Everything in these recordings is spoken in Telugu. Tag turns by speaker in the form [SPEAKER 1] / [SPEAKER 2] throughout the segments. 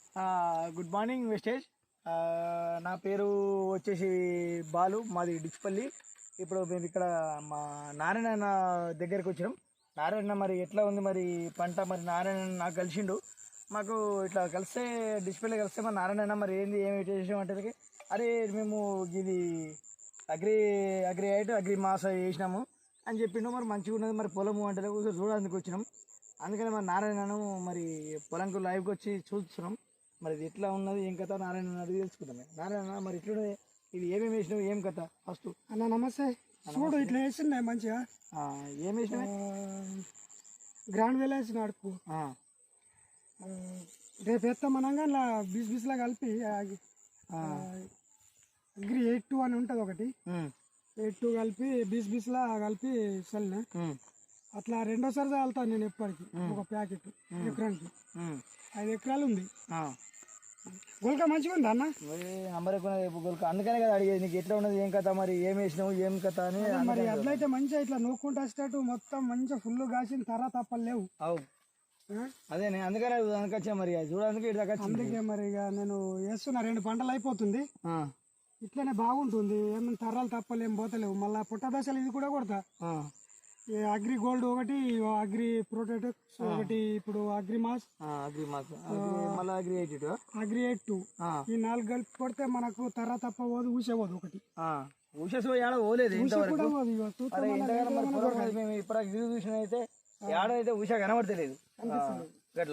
[SPEAKER 1] Good morning wastage. నా పేరు వచ్చేసి బాలు, మాది డిచ్పల్లి. ఇప్పుడు మేము ఇక్కడ మా నారాయణ దగ్గరికి వచ్చినాం. నారాయణ మరి ఎట్లా ఉంది మరి పంట, మరి నారాయణ నాకు కలిసిండు. మాకు ఇట్లా కలిస్తే డిస్ప్లే కలిస్తే మరి నారాయణ మరి ఏమి చేసాం అంటే, అరే మేము ఇది అగ్రి మాస వేసినాము అని చెప్పిండు. మరి మంచిగా ఉన్నది మరి పొలము అంటే చూడడానికి వచ్చినాం. అందుకని మరి నారాయణను మరి పొలంకు లైవ్కి వచ్చి చూస్తున్నాం. మరి ఇది ఎట్లా ఉన్నది ఏం కథ నారాయణ అడిగి తెలుసుకుందాం. నారాయణ మరి ఇట్లా ఇది ఏమేమి వేసినావు, ఏం కథ ఫస్ట్?
[SPEAKER 2] అన్న నమస్తే. చూడు ఇట్లా వేసినాయి మంచిగా.
[SPEAKER 1] ఏం వేసినా?
[SPEAKER 2] గ్రాండ్ వేలు వేసిన అడుపు. రేపు ఎత్తామనగా ఇలా బిస్లా కలిపి అగ్రి 8-2 అని ఉంటుంది ఒకటి. 8-2 కలిపి బిస్లా కలిపి చల్లిన. అట్లా రెండోసారి చల్లుతాను నేను ఎప్పటికి. ఒక ప్యాకెట్ ఎకరానికి 5 ఎకరాలు ఉంది. గొల్క మంచిగా ఉంది అన్న.
[SPEAKER 1] నంబర్ ఎక్కువ గొల్క, అందుకనే కదా అడిగేది నీకు ఎట్లా ఉన్నది ఏం కథ, మరి ఏం వేసినావు ఏం కథ అని.
[SPEAKER 2] మరి అట్లయితే మంచిగా ఇట్లా నూక్కుంటూ వచ్చేటట్టు మొత్తం మంచిగా ఫుల్ కాసిన తప్పలు లేవు.
[SPEAKER 1] అవు అదే అందుకనే వచ్చా మరి చూడడానికి.
[SPEAKER 2] అందుకే మరి ఇక నేను వేస్తున్నా 2 పంటలు అయిపోతుంది. ఇట్లనే బాగుంటుంది. ఏమైనా తరాలు తప్పలు ఏం పోతలేవు. మళ్ళీ పుట్ట దశలు ఇది కూడా కొడతా. అగ్రి గోల్డ్ ఒకటి, అగ్రి ప్రొటెక్స్ ఒకటి, ఇప్పుడు అగ్రి 8-2 ఈ 4 కలిపి కొడితే మనకు తప్ప పోదు, ఊసే పోదు ఒకటి.
[SPEAKER 1] అయితే ఏడైతే ఉష కనబడతలేదు గట్లా.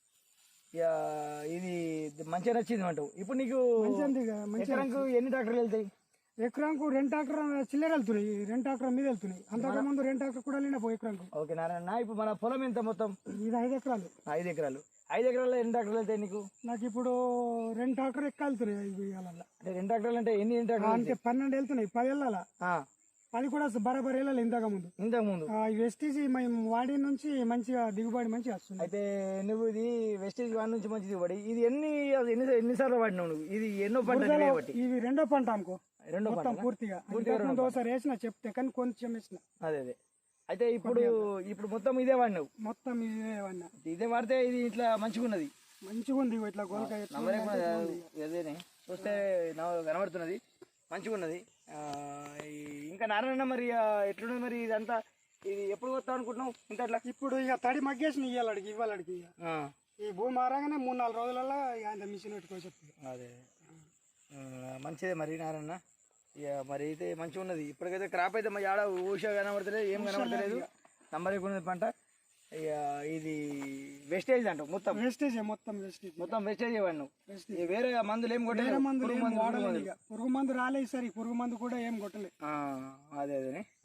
[SPEAKER 1] ఇది మంచిగా నచ్చింది అంటావు. ఇప్పుడు నీకు ఎన్ని ట్రాక్టర్లు వెళ్తాయి?
[SPEAKER 2] ఎకరానికి 2 ట్రాక్టర్ చిల్లర వెళ్తున్నాయి, 2 ట్రాక్టర్ మీద వెళ్తున్నాయి. అంతకుముందు 2 ట్రాక్టర్ కూడా వెళ్ళిన ఎకరానికి.
[SPEAKER 1] ఓకే నారాయణ, ఇప్పుడు మన పొలం ఎంత మొత్తం?
[SPEAKER 2] ఇది 5 ఎకరాలు.
[SPEAKER 1] 5 ఎకరాలు. 5 ఎకరాల్లో ఎన్ని ట్రాక్టర్లు వెళ్తాయి నీకు?
[SPEAKER 2] నాకు ఇప్పుడు 2 ట్రాక్టర్ వెళ్తున్నాయి.
[SPEAKER 1] అంటే 2 ట్రాక్టర్లు అంటే ఎన్ని ట్రాక్టర్లు?
[SPEAKER 2] అంటే 12 వెళ్తున్నాయి. 10 వెళ్ళాలా? 10 కూడా బరాబర్ వెళ్ళాలి. ఇంతకుముందు వెస్టీజ్ మేము వాడి నుంచి మంచిగా దిగుబడి మంచిగా వస్తుంది.
[SPEAKER 1] అయితే నువ్వు ఇది వెస్టీజ్ వాడి నుంచి మంచి దిగుబడి, ఇది ఎన్నిసార్లు వాడినావు నువ్వు? ఇది ఎన్నో పంట?
[SPEAKER 2] ఇది 2వ పంట అనుకో. మొత్తం పూర్తిగా ఒకసారి వేసిన చెప్తే కానీ కొంచెం వేసిన.
[SPEAKER 1] అదే అయితే ఇప్పుడు మొత్తం ఇదే వాడినావు?
[SPEAKER 2] మొత్తం ఇదే వాడినా.
[SPEAKER 1] ఇదే వాడితే ఇది ఇట్లా మంచిగా ఉన్నది.
[SPEAKER 2] మంచిగా ఉంది. ఇట్లా గోల్క
[SPEAKER 1] అదేనే చూస్తే కనబడుతున్నది, మంచిగా ఉన్నది. ఇంకా నారాయణ మరి ఎట్లున్నది మరి ఇదంతా? ఇది ఎప్పుడు వస్తావు అనుకుంటున్నావు ఇంత అట్లా?
[SPEAKER 2] ఇప్పుడు ఇక తడి మగ్గేసిన ఇవ్వాలడికి ఈ భూమి మారాగానే 3-4 రోజులలో ఆయన మిషన్ పెట్టుకోవచ్చు.
[SPEAKER 1] అదే మంచిదే మరి నారాయణ. ఇక మరి అయితే మంచిగా ఉన్నది. ఇప్పటికైతే క్రాప్ అయితే మరి ఆడ ఊష కనబడతలేదు, ఏం కనబడతలేదు. నంబర్ ఎక్కువ ఉన్నది పంట. ఇక ఇది వెస్టేజ్ అంటావు మొత్తం? మొత్తం వెస్టేజ్ వాడినావు. వేరే మందులు ఏం కొట్టలేదు?
[SPEAKER 2] పురుగు మందు రాలేదు సరే, పురుగు మందు కూడా ఏం కొట్టలేదు.
[SPEAKER 1] అదే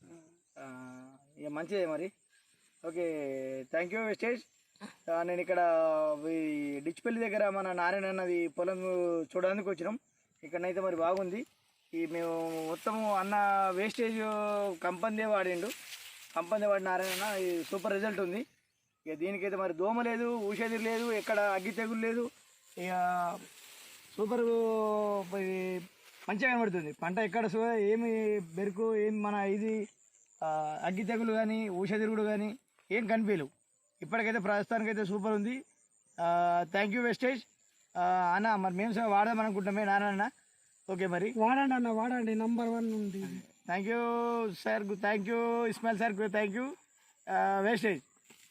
[SPEAKER 1] ఇక మంచిదే మరి. Okay, thank you Vestige. నేను ఇక్కడ డిచ్పల్లి దగ్గర మన నారాయణ అన్నది పొలం చూడడానికి వచ్చినాం. ఇక్కడనైతే మరి బాగుంది. మేము మొత్తము అన్న వేస్టేజ్ కంపెనీ వాడిండు. కంపెనీ వాడిన నారాయణ సూపర్ రిజల్ట్ ఉంది. ఇక దీనికైతే మరి దోమ లేదు, ఊషధి లేదు, ఎక్కడ అగ్గి తెగులు లేదు. ఇక సూపర్ మంచిగా కనబడుతుంది పంట. ఎక్కడ ఏమి బెరుకు ఏమి మన ఇది అగ్గి తెగులు కానీ ఊషధిరుగుడు కానీ ఏం కనిపించలేవు. ఇప్పటికైతే ప్రస్తుతానికైతే సూపర్ ఉంది. థ్యాంక్ యూ వెస్టేజ్ అన్న. మరి మేము వాడదాం అనుకుంటామే నారాయణ. ఓకే మరి
[SPEAKER 2] వాడండి అన్న, వాడండి. నంబర్ 1 ఉంది.
[SPEAKER 1] Thank you sir, thank you Ismail sir, thank you Vestige.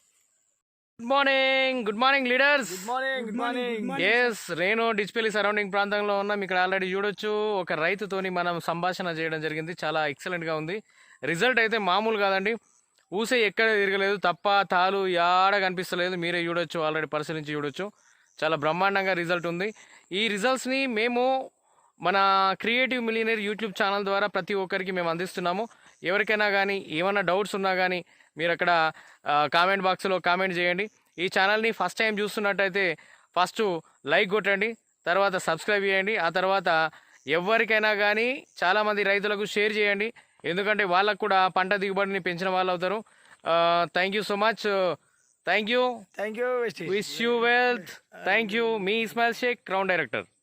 [SPEAKER 3] Good morning leaders.
[SPEAKER 1] Good morning.
[SPEAKER 3] Yes, నేను డిచ్పల్లి సరౌండింగ్ ప్రాంతంలో ఉన్నాం. ఇక్కడ ఆల్రెడీ చూడొచ్చు ఒక రైతుతోని మనం సంభాషణ చేయడం జరిగింది. చాలా ఎక్సలెంట్గా ఉంది. రిజల్ట్ అయితే మామూలు కాదండి. ఊసే ఎక్కడ తిరగలేదు, తప్ప తాలు యాడ కనిపిస్తలేదు. మీరే చూడొచ్చు, ఆల్రెడీ పరిశీలించి చూడొచ్చు. చాలా బ్రహ్మాండంగా రిజల్ట్ ఉంది. ఈ రిజల్ట్స్ని మేము మన క్రియేటివ్ మిలియనర్ యూట్యూబ్ ఛానల్ ద్వారా ప్రతి ఒక్కరికి మేము అందిస్తున్నాము. ఎవరికైనా కానీ ఏమైనా డౌట్స్ ఉన్నా కానీ మీరు అక్కడ కామెంట్ బాక్స్లో కామెంట్ చేయండి. ఈ ఛానల్ని ఫస్ట్ టైం చూస్తున్నట్టయితే ఫస్ట్ లైక్ కొట్టండి, తర్వాత సబ్స్క్రైబ్ చేయండి. ఆ తర్వాత ఎవరికైనా కానీ చాలామంది రైతులకు షేర్ చేయండి. ఎందుకంటే వాళ్ళకు కూడా పంట దిగుబడిని పెంచిన వాళ్ళు అవుతారు. Thank you so much. Thank you.
[SPEAKER 1] Wish you wealth.
[SPEAKER 3] Thank you. మీ ఇస్మాయిల్ షేక్, క్రౌన్ డైరెక్టర్.